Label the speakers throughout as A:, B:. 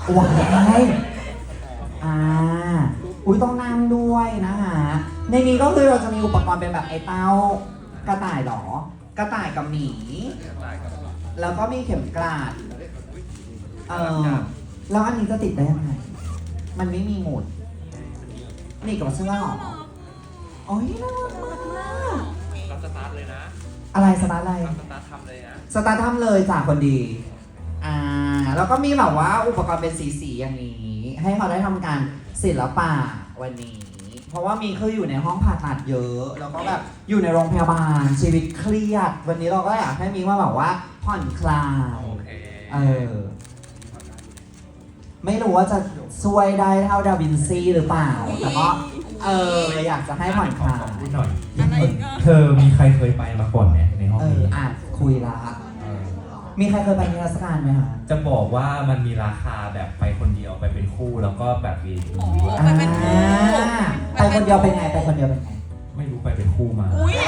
A: ว้ายอ่าอุ้ยต้องนั่งด้วยนะคะในนี้ก็คือเราจะมีอุปกรณ์เป็นแบบไอ้เต้ากระต่ายหรอกระต่ายกับหมีแล้วก็มีเข็มกลัดแล้วอันนี้จะติดได้ยังไงมันไม่มีหมุดนี่กับเสื้อหรอโอ้ยน่ารักมาก
B: เราสตาร์ทเลยนะ
A: อะไรสตาร์ทอะไร
B: เราสตาร์ททำเลยนะ
A: สตาร์ททำเลยจากคนดีแล้วก็มีแบบว่าอุปกรณ์เป็นสีๆอย่างนี้ ให้เขาได้ทำการศิลปะวันนี้ เพราะว่ามีคืออยู่ในห้องผ่าตัดเยอะ แล้วก็แบบอยู่ในโรงพยาบาลชีวิตเครียด วันนี้เราก็อยากให้มีว่าแบบว่าผ่อนคลาย
B: โอเค
A: ไม่รู้ว่าจะช่วยได้เท่าดาวินซีหรือเปล่า แต่ก็อยากจะให้ผ่อนคลาย
C: พูดหน่อยเธอมีใครเคยไปมาก่อนไหมในห้องนี้
A: คุยละมีใครเคยไปนิทรรศการไหมคะ
C: จะบอกว่ามันมีราคาแบบไปคนเดียวไปเป็นคู่แล้วก็แบบมีด้วย
A: ไปคนเดียวเป็นไงไปคนเดียวเป็นไง
C: ไม่รู้ไปเป็นคู่มา
D: อุ้ย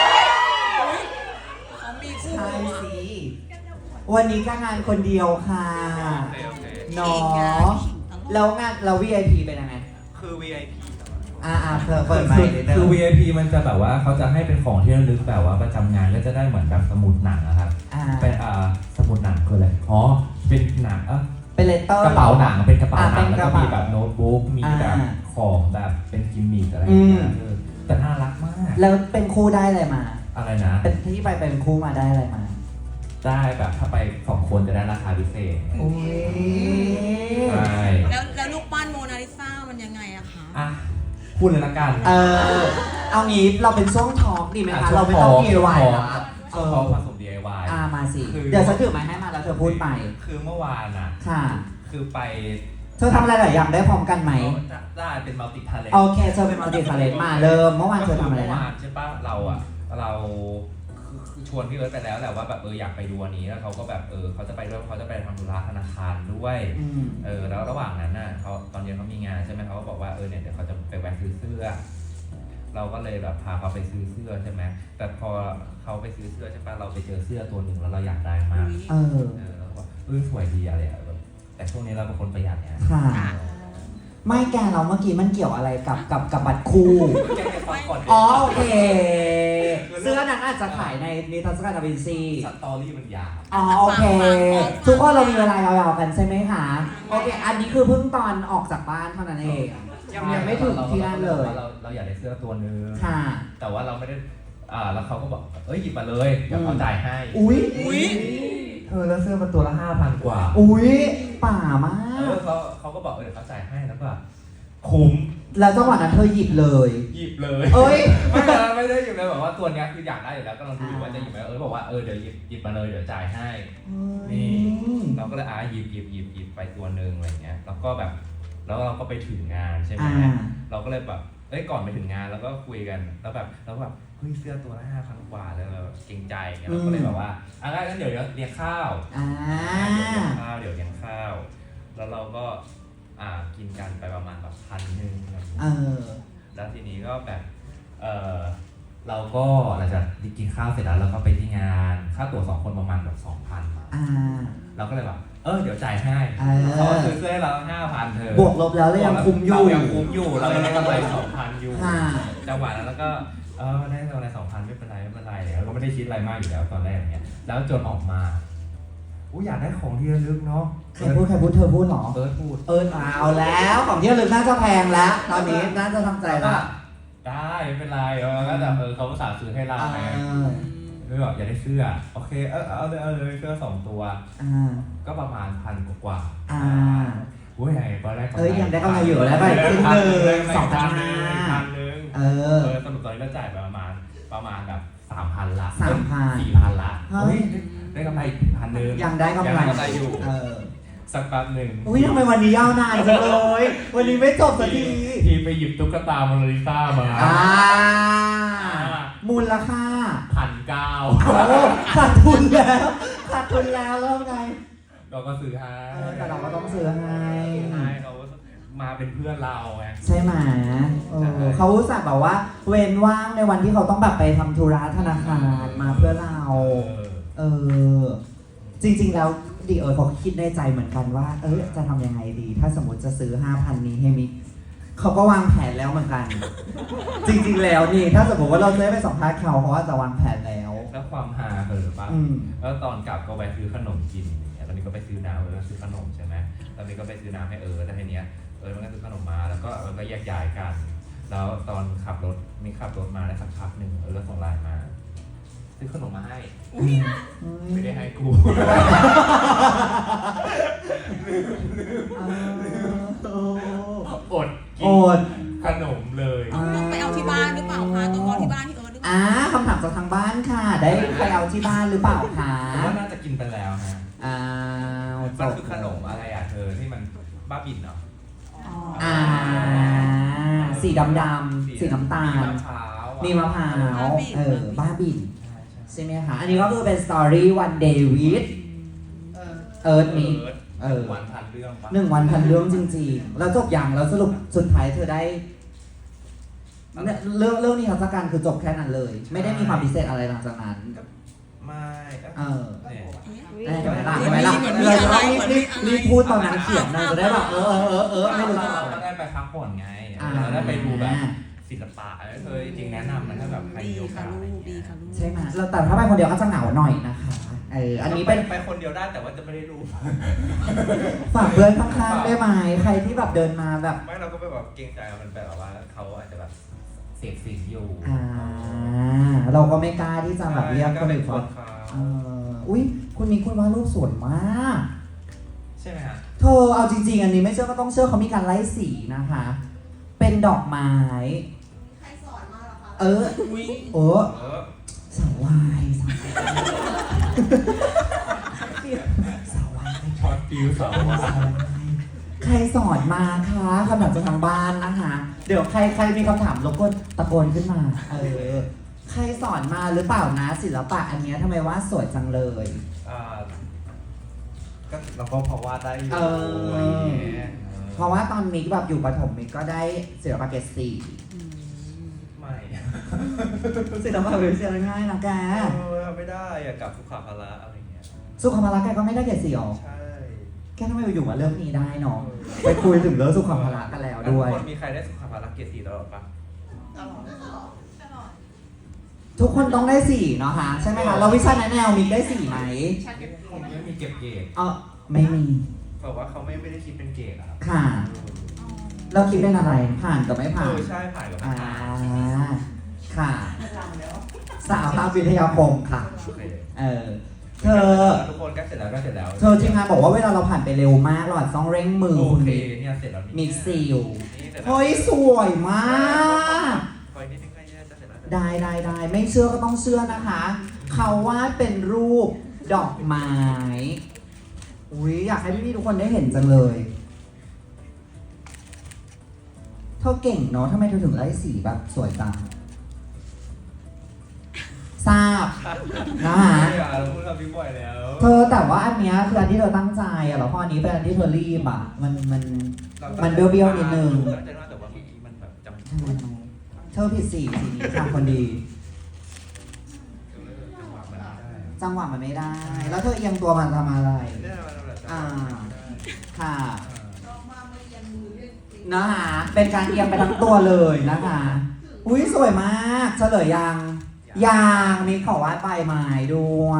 D: เขามีคู่
A: ใช่สิ วันนี้ก็งานคนเดียวค่ะ
B: โอเค
A: เนาะแล้วงานเรา VIP เป็นยังไง
B: คือ VIP
A: เธอเปิดไมค์นิดนึง
C: คือ VIP มันจะแบบว่าเขาจะให้เป็นของที่ระลึกแบบว่าประจำงานก็จะได้เหมือนแบบสมุดหนังนะครับ เป็นสมุดหนังคืออะไรอ๋อเป็นหนัง
A: เป็นเลตเตอร์
C: กระเป๋าหนังเป็นกระเป๋าหนัง
A: เป็น
C: แล้ว
A: กระ
C: ก็
A: เป๋า
C: มีแบบโน้ตบุ๊กมีแบบของแบบเป็นกิมมิคอะไรอย่างเงี้ยแต่น่ารักมาก
A: แล้วเป็นคู่ได้อะไรมา
C: อะไรนะ
A: เป็นที่ไปเป็นคู่มาได้อะไรมา
C: ได้แบบถ้าไป2 คนจะได้ราคาพิเศษ
A: โอ้ย
C: ใช่
D: แล้วลูกปั้นโมนาลิซามันยังไงอะคะ
C: อ่ะพูดเลยละกัน
A: เอางี้เราเป็นช่วงทอล์กดีไหมคะ
C: ช่ว
A: เราไม่ต้อง DIY
C: ช่วง
A: นะ
C: เขาผสม DIY
A: มาสิ
C: คือ
A: เดี๋ยวฉันถือไม้ให้มาแล้วเธอพูดไป
C: คือเมื่อวานอ่ะ
A: ค่ะ
C: คือไป
A: เธอทำอะไรหลายอย่างได้พร้อมกันไหม
C: ได้เป็นมัลติทาเลน
A: โอเคเธอเป็นมัลติทาเลนต์มาเริ่มเมื่อวานเธอทำอะไร
C: เมื่อ
A: นะ
C: วานใช่ปะเราคือชวนพี่เอิร์ธไปแล้วแหละว่าแบบอยากไปดูอันนี้แล้วเขาก็แบบเขาจะไปด้วยเขาจะไปทำธุระธนาคารด้วยแล้วระหว่างนั้นน่ะเขาตอนเย็นเขามีงานใช่ไหมเขาก็บอกว่าเนี่ยเดี๋ยวเขาจะไปแวะซื้อเสื้อเราก็เลยแบบพาเขาไปซื้อเสื้อใช่ไหมแต่พอเขาไปซื้อเสื้อใช่ปะเราไปเจอเสื้อตัวหนึ่งแล้วเราอยากได้มากเราก็สวยดีอะไรแบบแต่ช่วงนี้เราเป็นคนประหยัดเนี่ย
A: ค่ะไม่แกเราเมื่อกี้มันเกี่ยวอะไรกับบัตรคู่
C: แกให้ฟังก่อน
A: อ๋อโอเคเสื้อนั้นอาจจะขายในนิทรรศการดาวินซี
C: สตอรี่มันยาว
A: อ๋อโอเค ทุกคนเรามีเวลายาวๆกันใช่ไหมคะโอเคอันนี้คือเพิ่งตอนออกจากบ้านเท่านั้นเองยังไม่ถึงที่นั่นเลย
C: เราอยากได้เสื้อตัวนึง
A: ค่ะ
C: แต่ว่าเราไม่ได้แล้วเขาก็บอกหยิบมาเลยเดี๋ยวเขาจ่ายให้
A: อุ้ย
C: แล้วเสื้อมันตัวละ 5,000 กว่า
A: อุ้ยป่ามาก
C: เขาก็บอกเดี๋ยวเขาจ่ายให้แล้วก็คุ้ม
A: แล้วจังหวะนั้นเธอหยิบเลย
C: หยิบเลย
A: เอ้ย
C: ไม่ได้หยิบเลยบอกว่าตัวเนี้ยคืออยากได้อยู่แล้วก็ลองดูว่าจะหยิบไหมบอกว่าเดี๋ยวหยิบมาเลยเดี๋ยวจ่ายให้นี่เราก็เลยหยิบไปตัวนึงอะไรเงี้ยแล้วก็แบบแล้วเราก็ไปถึงงานใช่ไหมเราก็เลยแบบก่อนไปถึงงานแล้วก็คุยกันแล้วแบบเฮ้ยเสื้อตัวละ 5,000 กว่าแล้วเราเกรงใจเงี้ยเราก็เลยแบบว่างั้นเดี๋ยวเลี้ยงข้าวเดี๋ยวเลี้ยงข้าวแล้วเราก็กินกันไปประมาณแบบ1,000แล้วทีนี้ก็แบบเราก็หลังจากกินข้าวเสร็จแล้วเราก็ไปที่งานค่าตั๋ว2 คนประมาณแบบ 2,000เราก็เลยแบบเดี๋ยวจ่ายให้เขาซื้อเสื้อให้เรา 5,000 เธอบ
A: วกลบแล้วเรายังคุ้มอยู่
C: เรายังคุ้มอยู่เรายังได้กำไร 2,000 อยู่จังหวะนั้นแล้วก็ได้กำไร 2,000 ไม่เป็นไรแล้วก็ไม่ได้คิดอะไรมากอยู่แล้วตอนแรกอย่างเงี้ยแล้วจนออกมาอยากได้ของที่ระลึกเนาะ
A: ใครพูดเธอพูดหรอ
C: พูด
A: เอาแล้วของที่ระลึกน่าจะแพงแล้วตอนนี้น่าจะทำใจแล้ว
C: ได้ไม่เป็นไรก็แบบเขาอุตส่าห์ซื้อให้เราไงเลยบอกอยากได้เสื้อโอเคเอาเลยเสื้อ2 ตัวก็ประมาณ1,000 กว่าอุ้ยไงตอนแรก
A: ยังได้กำไรอยู่แล้วไปครึ่งนึง
C: สรุปตอนนี้เราจ่ายไปประมาณแบบ 3,000 ละ
A: 4,000
C: ละได้กำไรอีก 1,000
A: ยังได้กำไร
C: อยู่สักแป๊บหนึ่ง
A: อุ้ยทำไมวันนี้ยาวนานจังเลยวันนี้ไม่จบสักที
C: ทีไปหยิบตุ๊กตาโมนาลิซามา
A: มูลค่า
C: 1,900
A: ขาดทุนแล้วแล้วไง
C: เราก็ซื้อให้
A: แต่เราก็ต้องซื้อให้
C: เขามาเป็นเพื่อนเราไง
A: ใช่ไหมเขาอุตส่าห์แบบว่าเว้นว่างในวันที่เขาต้องแบบไปทำธุระธนาคารมาเพื่อเราจริงๆแล้วดีเขาคิดในใจเหมือนกันว่า จะทำยังไงดี ถ้าสมมติจะซื้อ 5,000 นี้ให้มิกเขาก็วางแผนแล้วเหมือนกัน จริงๆแล้วนี่ ถ้าสมมติว่าเราจะได้ไปสัมภาษณ์เขาว่าจะวางแผนแล้ว
C: แล้วความฮาคือปะ
A: อืม
C: แล้วตอนกลับก็แวะซื้อขนมกินอย่างเงี้ยตอนนี้ก็ไปซื้อน้ำแล้วซื้อขนมใช่ไหมตอนนี้ก็ไปซื้อน้ำให้แล้วทีเนี้ยมันก็ซื้อขนมมาแล้วก็ก็แยกย้ายกัน แล้วตอนขับรถมีขับรถมาได้สักพักหนึ่งก็ส่งไลน์มาซื้อขนมมาให้ไม่ได้ให้กูอดกิ
A: โอน
C: ขนมเลย
D: ไปเอาที่บ้านหรือเปล่าคะต้องรอที่บ้านที่หรือเปล่า
A: คำถามจากทางบ้านค่ะ ได้ไปเอาที่บ้านหรือเปล่าคะ
C: ผมว่าน่าจะกินไปแล้วฮะ
A: จ
C: มัน
A: บ
C: คือขนมอะไรอ่ะเธอที่มันบ้าบินเนาะ
A: สีดำๆสีน้ำตาล มีมะพร้าวบ้าบินใช่ไหมคะ อันนี้ก็คือเป็นสตอรี่วันเดวิดมิก
C: วันพันเรื่องปะ
A: 1 วันพันเรื่องจริงๆ แล้วจบอย่างแล้วสรุปสุดท้ายเธอได้เรื่องนี้ทัศการคือจบแค่นั้นเลย ไม่ได้มีความพิเศษอะไรหลังจากนั้น
C: ไม่
A: ได้ไหมล่ะเราจะต้องรีบพูดตอนนั้นเขียนเลยจะได้แบบไม่รู้
C: เราได้ไปพักผ่อนไงเราได้ไปดูแบบศิลปะเธอจริงๆแนะนำมันถ้าแบบใครมีโอกาสอะไรเงี้ย
A: ใช่ไหมแต่ถ้าไปคนเดียวก็จะเหงาหน่อยนะคะอันนี้เป็น
B: ไปคนเดียวได้แต่ว่าจะไม่ได้รู้
A: ฝากเพื่อนข้างๆได้ไหมใครที่แบบเดินมาแบบ
B: ไม่เราก็ไปแบบเกรงใจมันแบบว่าเขาอาจจะแบบ
C: เสพสิ่งอยู่
A: เราก็ไม่กล้าที่จะแบบเรียก
B: ก็
A: คน
B: เป็
A: อื่
B: น
A: น
B: ค
A: ว่าน
B: เขา
A: อุ้ยคุณมีคุณวาดรูปสวยมาก
C: ใช่ไหมฮะ
A: เธอเอาจริงๆ อันนี้ไม่เชื่อก็ต้องเชื่อเขามีการไล่สีนะคะ เป็นดอกไม้ใครสอนมาหรอคะสาววายสาววาย
C: ช็อตฟิวสาวว่า
A: ใครสอนมาคะคำถามจากทางบ้านนะคะ เดี๋ยวใครมีคำถามรบกวนตะโกนขึ้นมา ใครสอนมาหรือเปล่านะศิลปะอันเนี้ยทำไมว่าสวยจังเลย
C: ก็เราก็พอวาดได้อยู่
A: เพราะว่าตอนมิกแบบอยู่ประถมมิกก็ได้ศิลปะเกรด4
C: ไม่
A: ศิลปะเกรด4ง่ายนะแก
B: ไม่ได้อยากกลับสุขาภาระอะไรเงี้ย
A: สุขภาระแกก็ไม่ได้เกรด4หรอ
B: ใช่
A: แกทำไมอยู่ๆมาเรื่องนี้ได้เนาะไปคุยถึงเรื่องสุขภาระกันแล้วด้วย
B: ทุกคนมีใครได้สุขาภาระเกรด4ตลอดปะ
A: ทุกคนต้องได้4เนาะคะใช่ไหมคะเราวิชาแนวมิกได้4ไหม
C: ผมไม่มีเก็บเกรด
A: ไม่มี
B: แบบว่าเขาไม่ได้คิดเป็นเกรดอะครับ
A: ค่ะ เราคิดเป็นอะไรผ่านกับไม่ผ่าน
B: ใช่ผ่านกับไม่ผ่าน
A: ค่ะสาวภาพวิทยาคมค่ะ
B: โอเค
A: เธอ
C: ทุกคนก็เสร็จแล้วก็เสร็จแล้ว
A: เธอทีมงานบอกว่าเวลาเราผ่านไปเร็วมากเราอาจจะต้องเร่งมือ
C: โอ
A: คุณ
C: เค
A: มิก
C: เนี่ยเสร็จแล้ว
A: มิกซิล
B: นี่เสร็จแล้ว
A: เฮ้ยสวยมาก
B: คอยนิดนึงก็จะเสร็จแล้ว
A: ได้ไม่เชื่อก็ต้องเชื่อนะคะ เขาวาดเป็นรูปดอกไม้อุ้ยอยากให้พี่ๆทุกคนได้เห็นจังเลยเธอเก่งเนาะทำไมเธอถึงไล่สีแบบสวยจังทราบนะคะ
C: เราพูดคำนี้บ่อยแล้ว
A: เธอแต่ว่าอันเนี้ยคืออันที่เธอตั้งใจอะแล้วพออันนี้เป็นอันที่เธอรีบอะมันเบี้ยวๆนิดนึง
B: ตั้งใจว่าแต่ว่าเมื่อกี้มันแบบจำ
A: ทำไมเธอผิดสีนี้ทำคนดี จังหวะมันไม่ได้ แล้วเธอเอียงตัวมันทำอะไร
B: เนี่ยมันแบบ
A: ค่ะนะคะเป็นการเอียงไปทั้งตัวเลยนะคะ อุ้ยสวยมากเฉลยยังมีขอวาดใบไม้ด้วย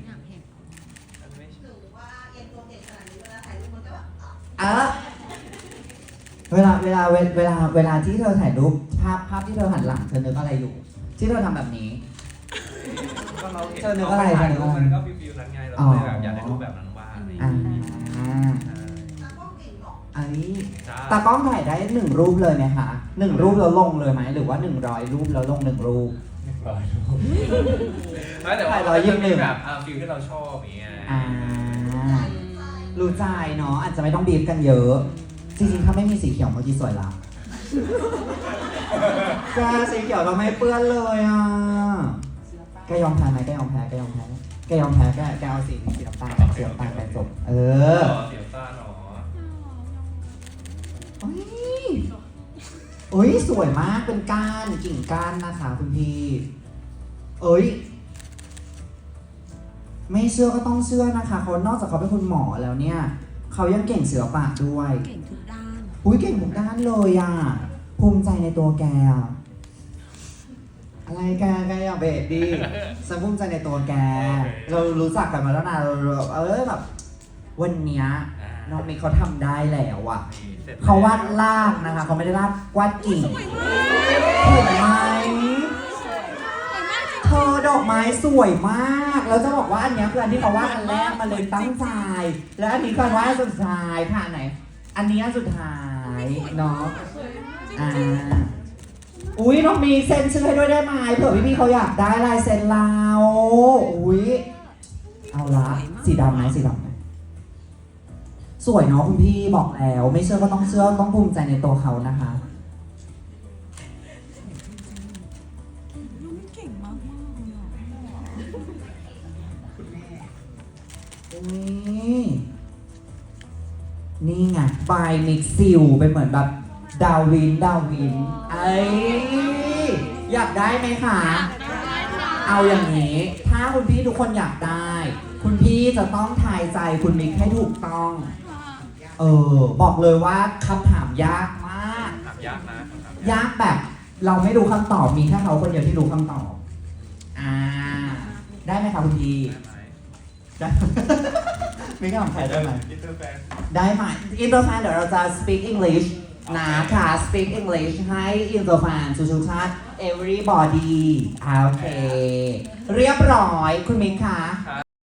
A: เวลาที่เธอถ่ายรูปภาพที่เธอหันหลังเธอนึกอะไรอยู่ ที่เธอทำแบบนี้
B: ก็เราเห็น
A: เธอนึกอะไร
B: มันก็ฟิวๆนั้นไงเราเลยแบบอยากได้รูปแบบนั้นบ้างอะไรอย่าง
A: อ่า
B: เงี้ย
A: อันนี้
B: ใช่
A: ตากล้องถ่ายได้1 รูปเลยไหมคะ1 รูปแล้วลงเลยไหมหรือว่า100 รูปแล้วลง1 รูป
B: ไม่แต่ว่า
A: ถ่าย121
B: มีแบบฟิลที่เราชอบอย่างเงี้ย
A: รู้ใจเนาะอาจจะไม่ต้องบีบกันเยอะ จริงๆถ้าไม่มีสีเขียวเมื่อกี้สวยละแกสีเขียวเราไม่เปื้อนเลยอ่ะแกยอมแพ้ไหมแกยอมแพ้แกเอาสีน้ำตาลไปจบ
B: เสียต้าหนอ
A: เอ้ยสวยมากเป็นกิ่งก้านนะคะคุณพี่ไม่เชื่อก็ต้องเชื่อนะคะเขานอกจากเขาเป็นคุณหมอแล้วเนี่ยเขายังเก่งศิลปะด้วย
D: เก่งทุกด้าน
A: อุ้ยเก่งทุกด้านเลยอ่ะภูมิใจในตัวแกอะอะไรแกอย่าเบะดิฉันภูมิใจในตัวแก เรารู้จักกันมาแล้วนะเราแบบวันเนี้ยน้องมิกเขาทำได้แล้วอ่ะ
B: นี่สร็จแล้
A: เขาวาดลากนะคะเขาไม่ได้วาดกิ่ง
D: สวยมาก
A: เห็นไหม
D: สวยมากจริง
A: เธอดอกไม้สวยมากแล้วจะบอกว่าอันเนี้ยคืออันที่เขาวาดอันแรกมาเลยตั้งใจแล้วอันนี้คือวาดอันสุดท้ายผ่านไหน อันนี้อันสุดท้ายเนาะ อ่า อุ้ยน้องมีเซ็นชื่อให้ด้วยได้ไหมเผื่อพี่ๆเขาอยากได้ลายเซ็นเราอุ้ยเอาละสีดำไหมสีดำไหมสวยเนาะคุณพี่บอกแล้ว ไม่เชื่อก็ต้องเชื่อต้องภูมิใจในตัวเขานะคะ
D: น้องมิกเก่งมากๆเลยอะ
A: อุ้ยนี่ไงบายมิกซิลเป็นเหมือนแบบดาวินไอ้ยอยากได้ไหมคะ เอาอย่างนี้ ถ้าคุณพี่ทุกคนอยากได้ คุณพี่จะต้องทายใจคุณมิกให้ถูกต้อง บอกเลยว่าคำถามยากมาก
B: ถามยากนะคำถาม
A: ยากแบบเราไม่รู้คำตอบ มีแค่เขาคนเดียวที่รู้คำตอบ ได้ไหมคะคุณพี่
B: ได้ไหม
A: ได้ มีคำถามใครได้ไหม
B: อินเตอร์แฟน
A: ได้ไหมอินเตอร์แฟนเดี๋ยวเราจะ speak English นะค่ะ speak English ให้อินเตอร์แฟนทุกๆชาติ everybody โอเค เรียบร้อยคุณมิกคะ